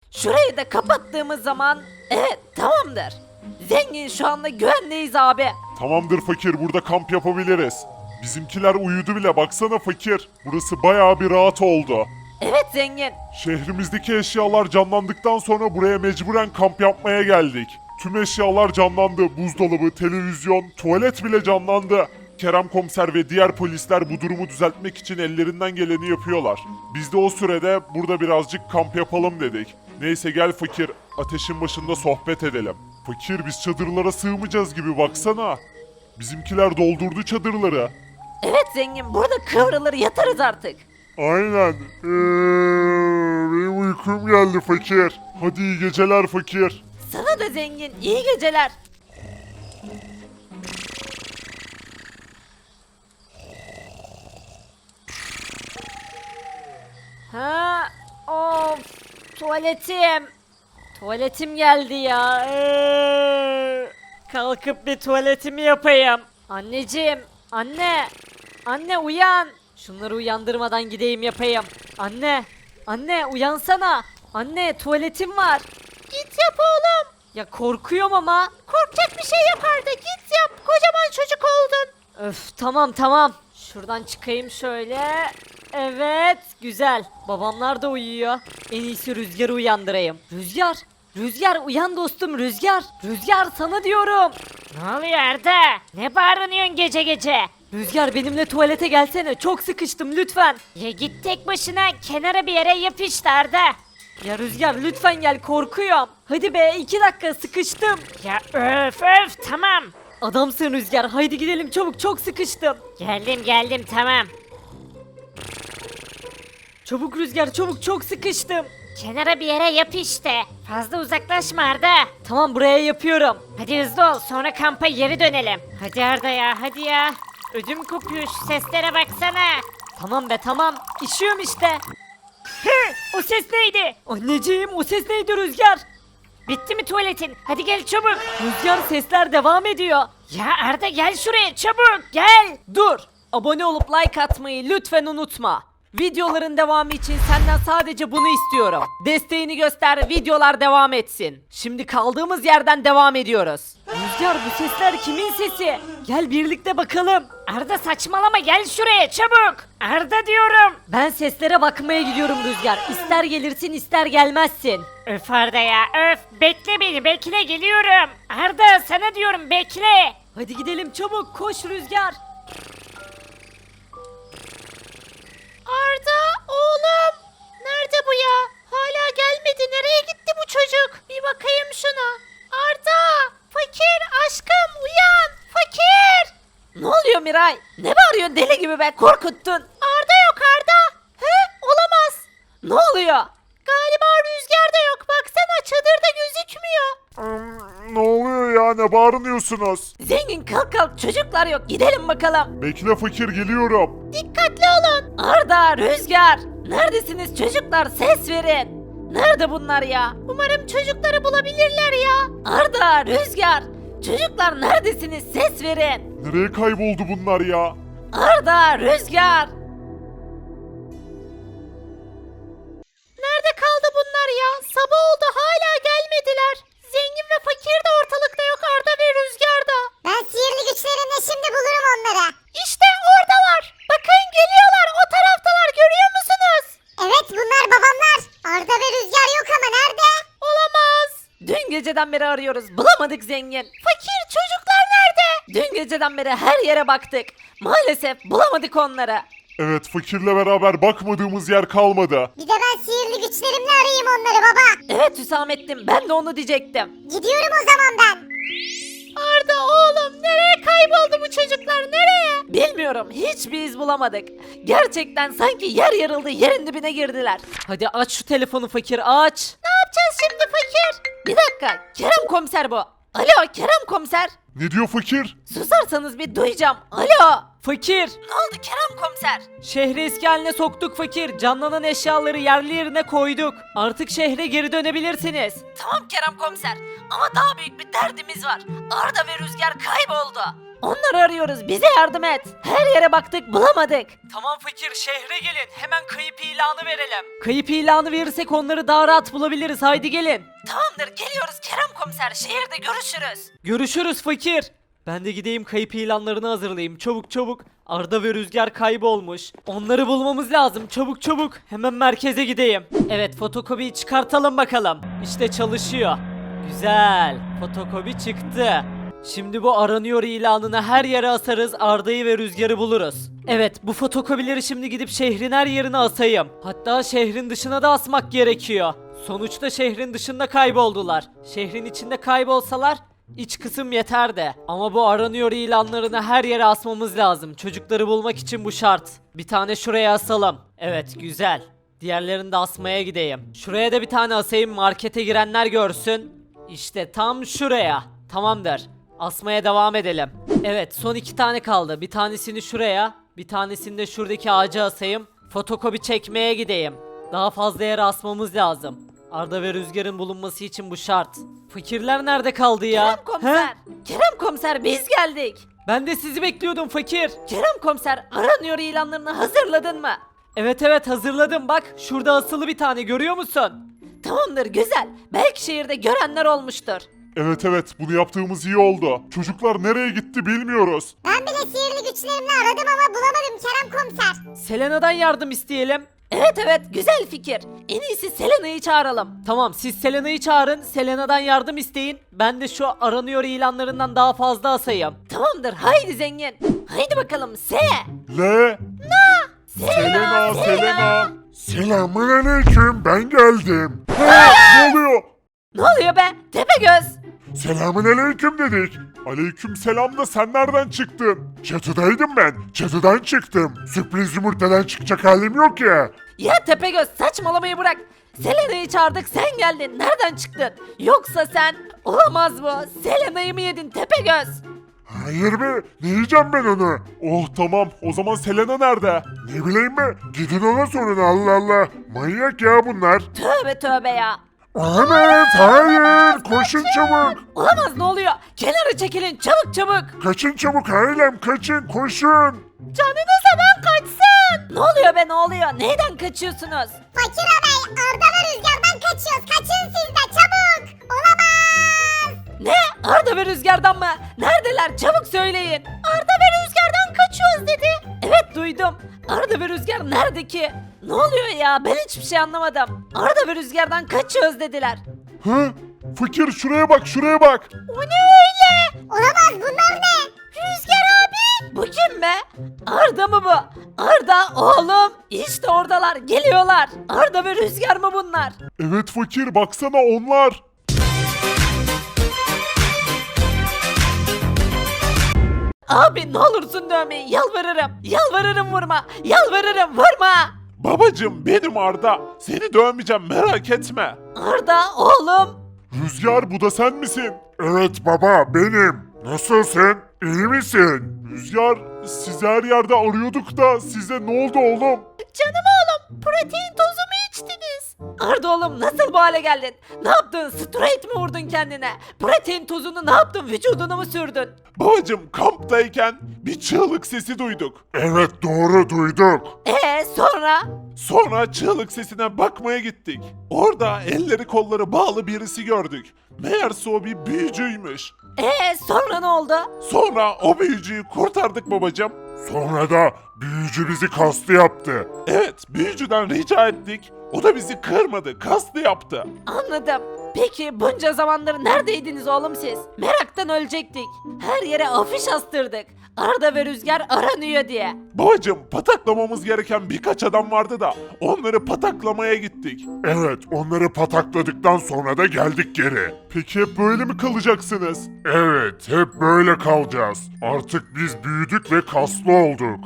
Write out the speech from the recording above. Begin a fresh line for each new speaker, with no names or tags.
Şurayı da kapattığımız zaman evet tamamdır. Zengin şu anda güvendeyiz abi.
Tamamdır fakir, burada kamp yapabiliriz. Bizimkiler uyudu bile, baksana fakir. Burası bayağı bir rahat oldu.
Evet zengin.
Şehrimizdeki eşyalar canlandıktan sonra buraya mecburen kamp yapmaya geldik. Tüm eşyalar canlandı. Buzdolabı, televizyon, tuvalet bile canlandı. Kerem komiser ve diğer polisler bu durumu düzeltmek için ellerinden geleni yapıyorlar. Biz de o sürede burada birazcık kamp yapalım dedik. Neyse gel fakir, ateşin başında sohbet edelim. Fakir, biz çadırlara sığmayacağız gibi, baksana. Bizimkiler doldurdu çadırları.
Evet zengin, burada kıvrılır yatarız artık.
Aynen. Benim uykum geldi fakir. Hadi iyi geceler fakir.
Sana da zengin, iyi geceler. Ha, of, tuvaletim. Tuvaletim geldi ya. Kalkıp bir tuvaletimi yapayım. Anneciğim, anne. Anne uyan. Şunları uyandırmadan gideyim yapayım. Anne, anne uyansana. Anne tuvaletim var. Git yap oğlum. Ya korkuyorum ama. Korkacak bir şey yap Arda, git yap. Kocaman çocuk oldun. Öf, tamam tamam. Şuradan çıkayım şöyle. Evet, güzel. Babamlar da uyuyor. En iyisi Rüzgar'ı uyandırayım. Rüzgar, Rüzgar uyan dostum Rüzgar. Rüzgar sana diyorum.
Ne oluyor Arda? Ne bağırıyorsun gece gece?
Rüzgar benimle tuvalete gelsene. Çok sıkıştım lütfen.
Ya git tek başına kenara bir yere yap işte Arda.
Ya Rüzgar lütfen gel, korkuyorum. Hadi be, 2 dakika sıkıştım.
Ya öf öf tamam.
Adamsın Rüzgar, haydi gidelim çabuk, çok sıkıştım.
Geldim tamam.
Çabuk Rüzgar çabuk, çok sıkıştım.
Kenara bir yere yap işte. Fazla uzaklaşma Arda.
Tamam, buraya yapıyorum.
Hadi hızlı ol sonra kampa geri dönelim. Hadi Arda ya hadi ya. Ödüm kopuyor şu seslere baksana.
Tamam be tamam, işiyorum işte.
Hı, o ses neydi?
Anneciğim o ses neydi Rüzgar?
Bitti mi tuvaletin? Hadi gel çabuk.
Rüzgar sesler devam ediyor.
Ya Arda gel şuraya çabuk gel.
Dur. Abone olup like atmayı lütfen unutma. Videoların devamı için senden sadece bunu istiyorum. Desteğini göster, videolar devam etsin. Şimdi kaldığımız yerden devam ediyoruz. Rüzgar bu sesler kimin sesi? Gel birlikte bakalım.
Arda saçmalama gel şuraya çabuk. Arda diyorum.
Ben seslere bakmaya gidiyorum Rüzgar. İster gelirsin ister gelmezsin.
Öf Arda ya öf. Bekle beni bekle geliyorum. Arda sana diyorum bekle.
Hadi gidelim çabuk, koş Rüzgar.
Arda oğlum. Nerede bu ya? Hala gelmedi. Nereye gitti bu çocuk? Bir bakayım şuna. Arda. Fakir aşkım uyan. Fakir.
Ne oluyor Miray? Ne bağırıyorsun deli gibi be, korkuttun.
Arda yok Arda. He olamaz.
Ne oluyor?
Galiba Rüzgar da yok. Baksana çadırda gözükmüyor.
Ne oluyor ya, ne bağırıyorsunuz?
Zengin kalk kalk, çocuklar yok, gidelim bakalım.
Bekle fakir, geliyorum.
Dikkatli olun.
Arda, Rüzgar, neredesiniz çocuklar, ses verin. Nerede bunlar ya?
Umarım çocukları bulabilirler ya.
Arda, Rüzgar, çocuklar neredesiniz, ses verin.
Nereye kayboldu bunlar ya?
Arda, Rüzgar.
Nerede kaldı bunlar ya? Sabah oldu hala gelmediler. Zengin ve fakir de ortalıkta yok Arda ve Rüzgar da.
Ben sihirli güçlerimle şimdi bulurum onları.
İşte oradalar. Bakın geliyorlar o taraftalar görüyor musunuz?
Evet bunlar babamlar. Arda ve Rüzgar yok ama nerede?
Olamaz.
Dün geceden beri arıyoruz, bulamadık zengin.
Fakir çocuklar nerede?
Dün geceden beri her yere baktık. Maalesef bulamadık onları.
Evet, fakirle beraber bakmadığımız yer kalmadı.
Bir de ben sihirli güçlerimle arayayım onları baba.
Evet Hüsamettin, ben de onu diyecektim.
Gidiyorum o zaman ben.
Arda oğlum nereye kayboldu bu çocuklar nereye?
Bilmiyorum, hiçbir iz bulamadık. Gerçekten sanki yer yarıldı, yerin dibine girdiler. Hadi aç şu telefonu fakir, aç.
Ne yapacağız şimdi fakir?
Bir dakika, Kerem komiser bu. Alo Kerem komiser.
Ne diyor fakir?
Susarsanız bir duyacağım. Alo. Fakir. Ne oldu Kerem komiser? Şehri eski haline soktuk fakir. Canlanan eşyaları yerli yerine koyduk. Artık şehre geri dönebilirsiniz. Tamam Kerem komiser. Ama daha büyük bir derdimiz var. Arda ve Rüzgar kayboldu. Onları arıyoruz. Bize yardım et. Her yere baktık bulamadık. Tamam fakir şehre gelin. Hemen kayıp ilanı verelim. Kayıp ilanı verirsek onları daha rahat bulabiliriz. Haydi gelin. Tamamdır geliyoruz Kerem komiser. Şehirde görüşürüz. Görüşürüz fakir. Ben de gideyim kayıp ilanlarını hazırlayayım. Çabuk çabuk. Arda ve Rüzgar kaybolmuş. Onları bulmamız lazım. Çabuk çabuk. Hemen merkeze gideyim. Evet fotokopiyi çıkartalım bakalım. İşte çalışıyor. Güzel. Fotokopi çıktı. Şimdi bu aranıyor ilanını her yere asarız. Arda'yı ve Rüzgar'ı buluruz. Evet bu fotokopileri şimdi gidip şehrin her yerine asayım. Hatta şehrin dışına da asmak gerekiyor. Sonuçta şehrin dışında kayboldular. Şehrin içinde kaybolsalar İç kısım yeter de. Ama bu aranıyor ilanlarını her yere asmamız lazım. Çocukları bulmak için bu şart. Bir tane şuraya asalım. Evet güzel. Diğerlerini de asmaya gideyim. Şuraya da bir tane asayım markete girenler görsün. İşte tam şuraya. Tamamdır. Asmaya devam edelim. Evet son 2 tane kaldı. Bir tanesini şuraya. Bir tanesini de şuradaki ağaca asayım. Fotokopi çekmeye gideyim. Daha fazla yere asmamız lazım. Arda ve Rüzgar'ın bulunması için bu şart. Fakirler nerede kaldı ya? Kerem komiser. He? Kerem komiser biz geldik. Ben de sizi bekliyordum fakir. Kerem komiser aranıyor ilanlarını hazırladın mı? Evet evet hazırladım bak. Şurada asılı bir tane görüyor musun? Tamamdır güzel. Belki şehirde görenler olmuştur.
Evet evet bunu yaptığımız iyi oldu. Çocuklar nereye gitti bilmiyoruz.
Ben bile sihirli güçlerimle aradım ama bulamadım Kerem komiser.
Selena'dan yardım isteyelim. Evet evet güzel fikir. En iyisi Selena'yı çağıralım. Tamam siz Selena'yı çağırın. Selena'dan yardım isteyin. Ben de şu aranıyor ilanlarından daha fazla asayım. Tamamdır haydi zengin. Haydi bakalım
Le. Selena, Selena. Selamünaleyküm ben geldim. Ne oluyor?
Ne oluyor be Tepegöz?
Selamünaleyküm dedik. Aleyküm selam da sen nereden çıktın? Çatıdaydım ben. Çatıdan çıktım. Sürpriz yumurtadan çıkacak halim yok ya.
Ya Tepegöz saçmalamayı bırak. Selena'yı çağırdık sen geldin. Nereden çıktın? Yoksa sen olamaz bu. Selena'yı mı yedin Tepegöz?
Hayır be, ne yiyeceğim ben onu? Oh tamam, o zaman Selena nerede? Ne bileyim be, gidin ona sorun Allah Allah. Manyak ya bunlar.
Tövbe tövbe ya.
Ahmet, hayır, koşun çabuk.
Olamaz ne oluyor? Kenara çekilin çabuk çabuk.
Kaçın çabuk ailem, kaçın, koşun.
Canınız hemen kaçsın. Ne oluyor be ne oluyor? Neyden kaçıyorsunuz?
Fakir ağabey Arda ve Rüzgar'dan kaçıyoruz. Kaçın siz de çabuk. Olamaz.
Ne? Arda ve Rüzgar'dan mı? Neredeler? Çabuk söyleyin. Arda ve Rüzgar'dan kaçıyoruz dedi. Evet duydum. Arda ve Rüzgar nerede ki? Ne oluyor ya? Ben hiçbir şey anlamadım. Arda ve Rüzgar'dan kaçıyoruz dediler.
Hı? Fakir şuraya bak, şuraya bak.
O ne öyle?
Olamaz bunlar ne?
Rüzgar abi. Bu kim be? Arda mı bu? Arda oğlum. İşte oradalar geliyorlar. Arda ve Rüzgar mı bunlar?
Evet fakir, baksana onlar.
Abi ne olursun dövmeyin yalvarırım. Yalvarırım vurma. Yalvarırım vurma.
Babacım benim Arda. Seni dövmeyeceğim merak etme.
Arda oğlum.
Rüzgar bu da sen misin? Evet baba benim. Nasılsın? İyi misin? Rüzgar sizi her yerde arıyorduk da size ne oldu oğlum?
Canım oğlum protein tozu mu içtiniz? Arda oğlum nasıl bu hale geldin? Ne yaptın? Straight mi vurdun kendine? Protein tozunu ne yaptın? Vücuduna mı sürdün?
Babacım kamptayken bir çığlık sesi duyduk. Evet doğru duyduk.
Sonra?
Sonra çığlık sesine bakmaya gittik. Orada elleri kolları bağlı birisi gördük. Meğerse o bir büyücüymüş.
Sonra ne oldu?
Sonra o büyücüyü kurtardık babacım. Sonra da büyücü bizi kaslı yaptı. Evet, büyücüden rica ettik. O da bizi kırmadı, kaslı yaptı.
Anladım. Peki bunca zamandır neredeydiniz oğlum siz? Meraktan ölecektik. Her yere afiş astırdık. Arda ve Rüzgar aranıyor diye.
Babacım, pataklamamız gereken birkaç adam vardı da onları pataklamaya gittik. Evet, onları patakladıktan sonra da geldik geri. Peki hep böyle mi kalacaksınız? Evet, hep böyle kalacağız. Artık biz büyüdük ve kaslı olduk.